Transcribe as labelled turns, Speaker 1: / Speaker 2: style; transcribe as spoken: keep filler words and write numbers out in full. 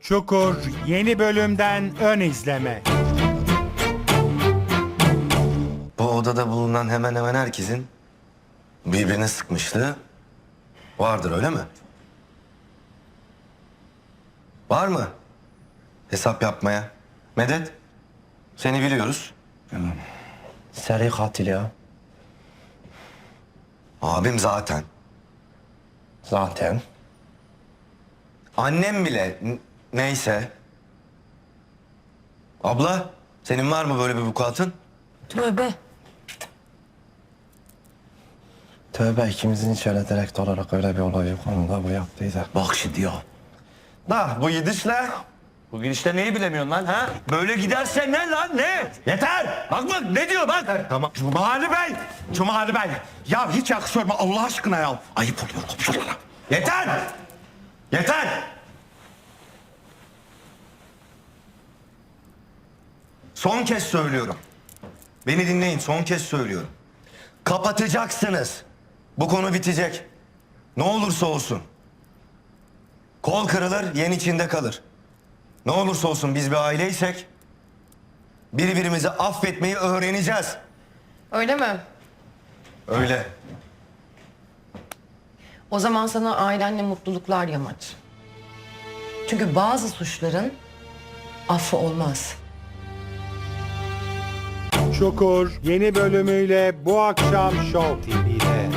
Speaker 1: Çukur yeni bölümden ön izleme.
Speaker 2: Bu odada bulunan hemen hemen herkesin birbirine sıkmışlığı vardır, öyle mi? Var mı? Hesap yapmaya. Medet, seni biliyoruz.
Speaker 3: Seri katil ya.
Speaker 2: Abim zaten.
Speaker 3: Zaten.
Speaker 2: Annem bile n- neyse. Abla, senin var mı böyle bir vukuatın?
Speaker 4: Tövbe.
Speaker 3: Tövbe, ikimizin hiç öyle direkt olarak öyle bir olay yok. Onu da bu yaptıydı.
Speaker 5: Bak şimdi ya.
Speaker 2: Da bu gidişle
Speaker 5: Bu gidişte neyi bilemiyorsun lan ha? Böyle giderse ne lan ne? Yeter! Bak bak ne diyor bak.
Speaker 2: tamam.
Speaker 5: Cumali Bey! Cumali Bey! Ya hiç yakışıyor mu Allah aşkına ya? Ayıp oluyor komşulara. Yeter! Yeter!
Speaker 2: Son kez söylüyorum. Beni dinleyin, son kez söylüyorum. Kapatacaksınız. Bu konu bitecek. Ne olursa olsun. Kol kırılır, yen içinde kalır. Ne olursa olsun biz bir aileysek birbirimizi affetmeyi öğreneceğiz.
Speaker 4: Öyle mi?
Speaker 2: Öyle.
Speaker 4: O zaman sana ailenle mutluluklar Yamaç. Çünkü bazı suçların affı olmaz.
Speaker 1: Çukur yeni bölümüyle bu akşam Show T V'de.